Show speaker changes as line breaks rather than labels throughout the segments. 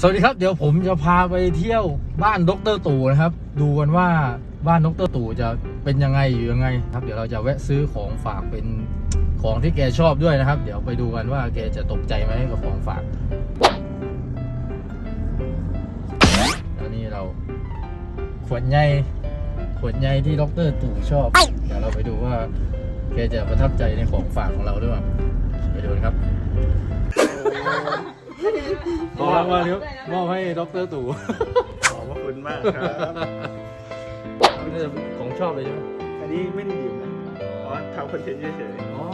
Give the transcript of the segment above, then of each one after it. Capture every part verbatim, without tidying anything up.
สวัสดีครับเดี๋ยวผมจะพาไปเที่ยวบ้านดร.ตู่นะครับดูกันว่าบ้านดร.ตู่จะเป็นยังไงอยู่ยังไงครับเดี๋ยวเราจะแวะซื้อของฝากเป็นของที่แกชอบด้วยนะครับเดี๋ยวไปดูกันว่าแกจะตกใจไหมกับของฝากแล้วนี่เราขวดใหญ่ขวดใหญ่ที่ดร.ตู่ชอบเดี๋ยวเราไปดูว่าแกจะประทับใจในของฝากของเราด้วยไปดูกันครับขอรางวัลครับมอบให้ดร.ตู่
ขอบพระคุณมากครับ
ของชอบเลยใช่ไหม
อันนี้ไม่ได้ดื่มนะอ๋อทำคอนเทนต์เฉย
อ๋อ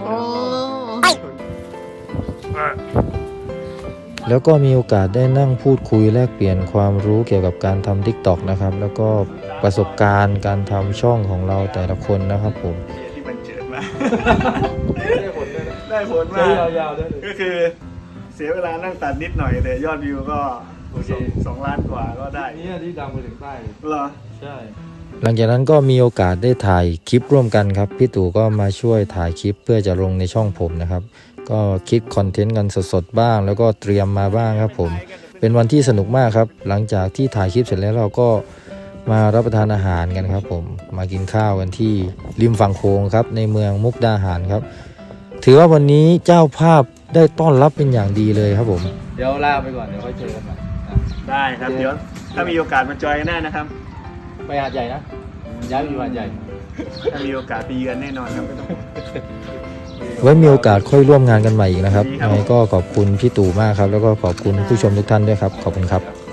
แล้วก็มีโอกาสได้นั่งพูดคุยแลกเปลี่ยนความรู้เกี่ยวกับการทำ ทิกต็อก นะครับแล้วก็ประสบการณ์การทำช่องของเราแต่ละคนนะครับผม
ๆที่มันเจิดมาก
ได้ผลด้วยนะ
ได้ผล
ใช้
มาก
ยาวๆได้เลย
ก็คือเสียเวลานั่งตัดนิดหน่อยแต่ยอดวิวก็สองสองล้านกว่าก็ได้
นี่ที่ดังไปถึงใต้เลย
เหรอ
ใช่
หลังจากนั้นก็มีโอกาสได้ถ่ายคลิปร่วมกันครับพี่ตู่ก็มาช่วยถ่ายคลิปเพื่อจะลงในช่องผมนะครับก็คิดคอนเทนต์กันสดๆบ้างแล้วก็เตรียมมาบ้างครับผมเป็นวันที่สนุกมากครับหลังจากที่ถ่ายคลิปเสร็จแล้วเราก็มารับประทานอาหารกันครับผมมากินข้าวกันที่ริมฝั่งโขงครับในเมืองมุกดาหารครับถือว่าวันนี้เจ้าภาพได้ต้อนรับเป็นอย่างดีเลยครับผม
เดี๋ยวลาไปก่อนเดี๋ยวค่อยเจอกันใหม่นะ
ได้ครับเดี๋ยวถ้ามีโอกาสมาจอยกันได้นะครับ
ไปหาดใหญ่นะย้ายไปอยู่หาดใหญ่
ถ้ามีโอกาสไปเยือนแน่นอนครับไม่ต้อง
ไว้มีโอกาสค่อยร่วมงานกันใหม่อีกนะครับ
ดีครับ
ยังไงก็ขอบคุณพี่ตู่มากครับแล้วก็ขอบคุณผู้ชมทุกท่านด้วยครับขอบคุณครับ